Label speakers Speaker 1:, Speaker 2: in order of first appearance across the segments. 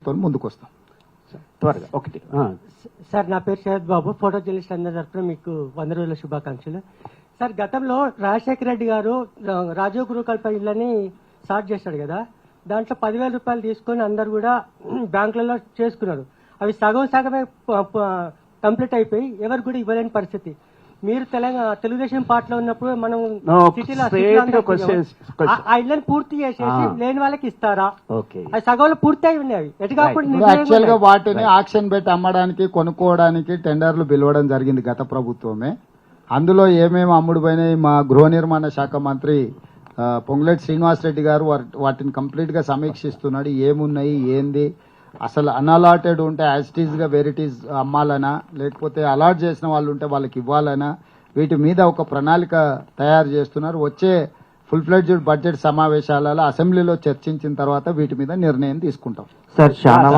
Speaker 1: ముందుకు వస్తాం
Speaker 2: త్వరగా ఒకటి.
Speaker 3: సార్ నా పేరు శరత్ బాబు, ఫోటో జర్నలిస్ట్ అందరి తరఫున మీకు 100 రోజుల శుభాకాంక్షలు. సార్ గతంలో రాజశేఖర రెడ్డి గారు రాజీవ్ గురుకల్ప ఇళ్ళని స్టార్ట్ చేశాడు కదా, దాంట్లో 10,000 రూపాయలు తీసుకొని అందరు కూడా బ్యాంకులలో చేసుకున్నారు. అవి సగం సగమే కంప్లీట్ అయిపోయి ఎవరు కూడా ఇవ్వలేని పరిస్థితి. మీరు తెలుగుదేశం పార్టీలో ఉన్నప్పుడు మనం సిటీలో ఆ ఇళ్ళని పూర్తి చేసేసి లేని వాళ్ళకి ఇస్తారా? అది సగంలో పూర్తి అయి ఉన్నాయి. ఎటు కాకుండా
Speaker 1: యాక్చువల్ గా వాటిని ఆక్షన్ పెట్టి అమ్మడానికి కొనుక్కోవడానికి టెండర్లు పిలవడం జరిగింది గత ప్రభుత్వమే. అందులో ఏమేమి అమ్ముడు పోయినాయి మా గృహ నిర్మాణ శాఖ మంత్రి పొంగులేటి శ్రీనివాసరెడ్డి గారు వాటిని కంప్లీట్ గా సమీక్షిస్తున్నాడు. ఏమున్నాయి ఏంది, అసలు అన్అలాటెడ్ ఉంటే యాజిటీస్ గా వెరైటీస్ అమ్మాలనా, లేకపోతే అలాట్ చేసిన వాళ్ళు ఉంటే వాళ్ళకి ఇవ్వాలనా, వీటి మీద ఒక ప్రణాళిక తయారు చేస్తున్నారు. వచ్చే ఫుల్ ఫ్లెడ్జ్డ్ బడ్జెట్ సమావేశాలలో అసెంబ్లీలో చర్చించిన తర్వాత వీటి మీద నిర్ణయం తీసుకుంటాం.
Speaker 4: సార్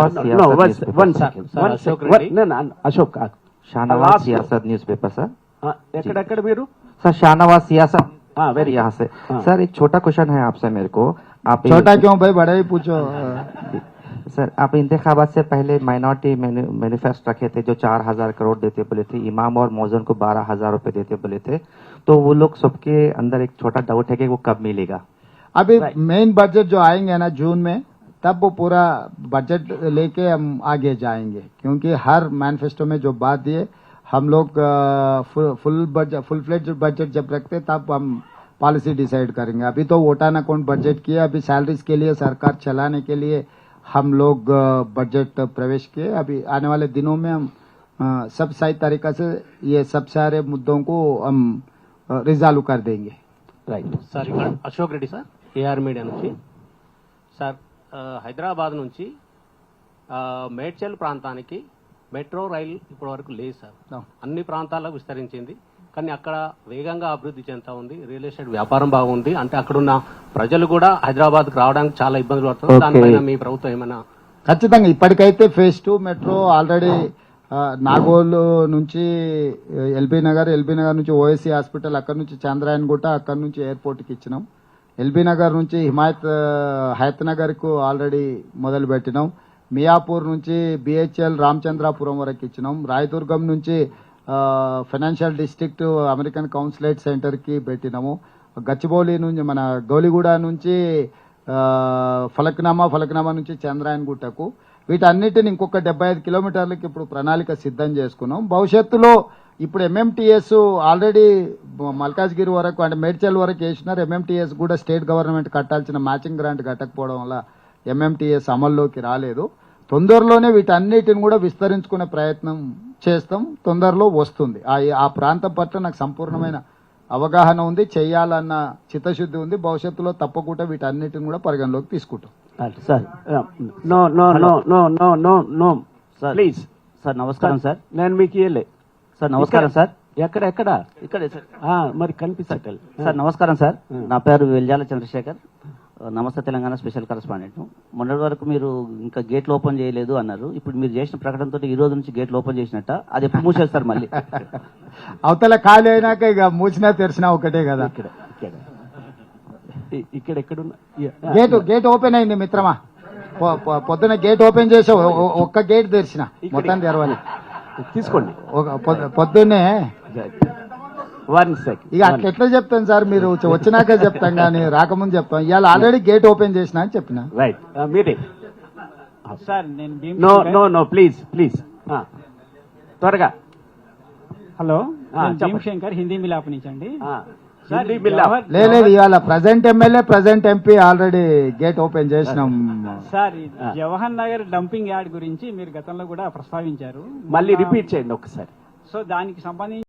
Speaker 4: అశోక్ शाहनवाज सियासत न्यूज पेपर सर
Speaker 2: ఎక్కడెక్కడ మీరు
Speaker 4: सर शाहनवाज सियासत
Speaker 2: वेरी
Speaker 4: यहाँ से सर एक छोटा क्वेश्चन है आपसे मेरे को. आप
Speaker 1: छोटा क्यों भाई, बड़ा ही पूछो.
Speaker 4: सर आप इंतखाबात से पहले माइनॉरिटी मैनिफेस्टो रखे थे जो 4,000 करोड़ देते बोले थे, इमाम और मौजन को 12,000 रुपए देते बोले थे, तो वो लोग सबके अंदर एक छोटा डाउट है कि वो कब मिलेगा.
Speaker 1: अभी मेन बजट जो आएंगे ना जून में, तब वो पूरा बजट लेके हम आगे जाएंगे, क्योंकि हर मैनिफेस्टो में जो बात दिए हम लोग फुल फ्लेज बजट जब रखते तब हम पॉलिसी डिसाइड करेंगे. अभी तो वोटान अकाउंट बजट किया, अभी सैलरीज के लिए सरकार चलाने के लिए हम लोग बजट प्रवेश किए. अभी आने वाले दिनों में हम सब सही तरीका से ये सब सारे मुद्दों को हम रिजॉल्व कर देंगे.
Speaker 2: రైట్
Speaker 5: సార్ ఇక్కడ Ashok Reddy sir, AR media నుంచి. సార్ హైదరాబాద్ నుంచి మేడ్చల్ ప్రాంతానికి మెట్రో రైలు ఇప్పటి వరకు లేదు సార్. అన్ని ప్రాంతాలకు విస్తరించింది, కానీ అక్కడ వేగంగా అభివృద్ధి చెందుతా ఉంది. రియల్ ఎస్టేట్ వ్యాపారం బాగుంది. అంటే అక్కడున్న ప్రజలు కూడా హైదరాబాద్కు రావడానికి చాలా ఇబ్బందులు పడుతుంది. దానిపైన మీ ప్రభుత్వం ఏమైనా?
Speaker 1: ఖచ్చితంగా ఇప్పటికైతే ఫేజ్ 2 మెట్రో ఆల్రెడీ నాగోల్ నుంచి ఎల్బీ నగర్ నుంచి ఓఎస్సీ హాస్పిటల్, అక్కడ నుంచి చంద్రాయన్గుట్ట, అక్కడ నుంచి ఎయిర్పోర్ట్కి ఇచ్చినాం. ఎల్బీ నగర్ నుంచి హయత్ నగర్ కు ఆల్రెడీ మొదలు పెట్టినాం. మియాపూర్ నుంచి బిహెచ్ఎల్ రామచంద్రాపురం వరకు ఇచ్చినాం. రాయదుర్గం నుంచి financial district American consulate centre కి పెట్టినాము. గచ్చిబౌలి నుంచి మన గౌలిగూడ నుంచి ఫలక్నామా నుంచి చంద్రాయన్గుట్టకు, వీటన్నిటిని ఇంకొక 75 కిలోమీటర్లకి ఇప్పుడు ప్రణాళిక సిద్ధం చేసుకున్నాం. భవిష్యత్తులో ఇప్పుడు ఎంఎంటీఎస్ ఆల్రెడీ మల్కాజ్గిరి వరకు అంటే మేడ్చల్ వరకు వేసినారు. ఎంఎంటీఎస్ కూడా స్టేట్ గవర్నమెంట్ కట్టాల్సిన మ్యాచింగ్ గ్రాంట్ కట్టకపోవడం వల్ల ఎంఎంటీఎస్ అమల్లోకి రాలేదు. తొందరలోనే వీటన్నిటిని కూడా విస్తరించుకునే ప్రయత్నం చేస్తాం. తొందరలో వస్తుంది. ఆ ప్రాంతం పట్ల నాకు సంపూర్ణమైన అవగాహన ఉంది, చేయాలన్న చిత్తశుద్ధి ఉంది. భవిష్యత్తులో తప్పకుండా వీటన్నిటిని కూడా పరిగణలోకి తీసుకుంటాం.
Speaker 2: Sir no no no no no no no please
Speaker 6: sir నమస్కారం సార్.
Speaker 2: నేను మీకు ఇయ్యలే
Speaker 6: సార్. నమస్కారం సార్.
Speaker 2: ఎక్కడ
Speaker 6: ఇక్కడే సార్.
Speaker 2: మరి కనిపిస్తట్టు
Speaker 6: సార్. నమస్కారం సార్. నా పేరు వెల్జాల చంద్రశేఖర్, నమస్తే తెలంగాణ స్పెషల్ కరెస్పాండెంట్. మొన్నటి వరకు మీరు ఇంకా గేట్లు ఓపెన్ చేయలేదు అన్నారు. ఇప్పుడు మీరు చేసిన ప్రకటనతో ఈ రోజు నుంచి గేట్లు ఓపెన్ చేసినట్ట, అది ఎప్పుడు మూసేస్తారు మళ్ళీ?
Speaker 1: అవతల ఖాళీ అయినాక ఇక మూసినా తెరిచినా ఒకటే కదా.
Speaker 2: ఇక్కడ
Speaker 1: గేట్ ఓపెన్ అయింది మిత్రమా. పొద్దున గేట్ ఓపెన్ చేసి ఒక్క గేట్ తెరిచిన, మొత్తం తెరవాలి.
Speaker 2: తీసుకోండి
Speaker 1: పొద్దున్నే.
Speaker 2: 1 సెకండ్.
Speaker 1: ఇక అట్లా ఎట్లా చెప్తాను సార్, మీరు వచ్చినాక చెప్తాం కానీ రాకముందు చెప్తాం. ఇవాళ ఆల్రెడీ గేట్ ఓపెన్ చేసిన అని చెప్పిన.
Speaker 2: రైట్ మీరే
Speaker 6: సార్. నేను
Speaker 2: నో నో నో ప్లీజ్ త్వరగా.
Speaker 6: హలో, భీమశంకర్, హిందీ మిలాప్ నుంచి అండి.
Speaker 1: లేదు, ఇవాళ present MLA present MP already gate open చేసినాం
Speaker 6: sir. Jawahar Nagar dumping yard గురించి మీరు గతంలో కూడా ప్రస్తావించారు,
Speaker 2: మళ్ళీ రిపీట్ చేయండి ఒకసారి.
Speaker 6: సో దానికి సంబంధించి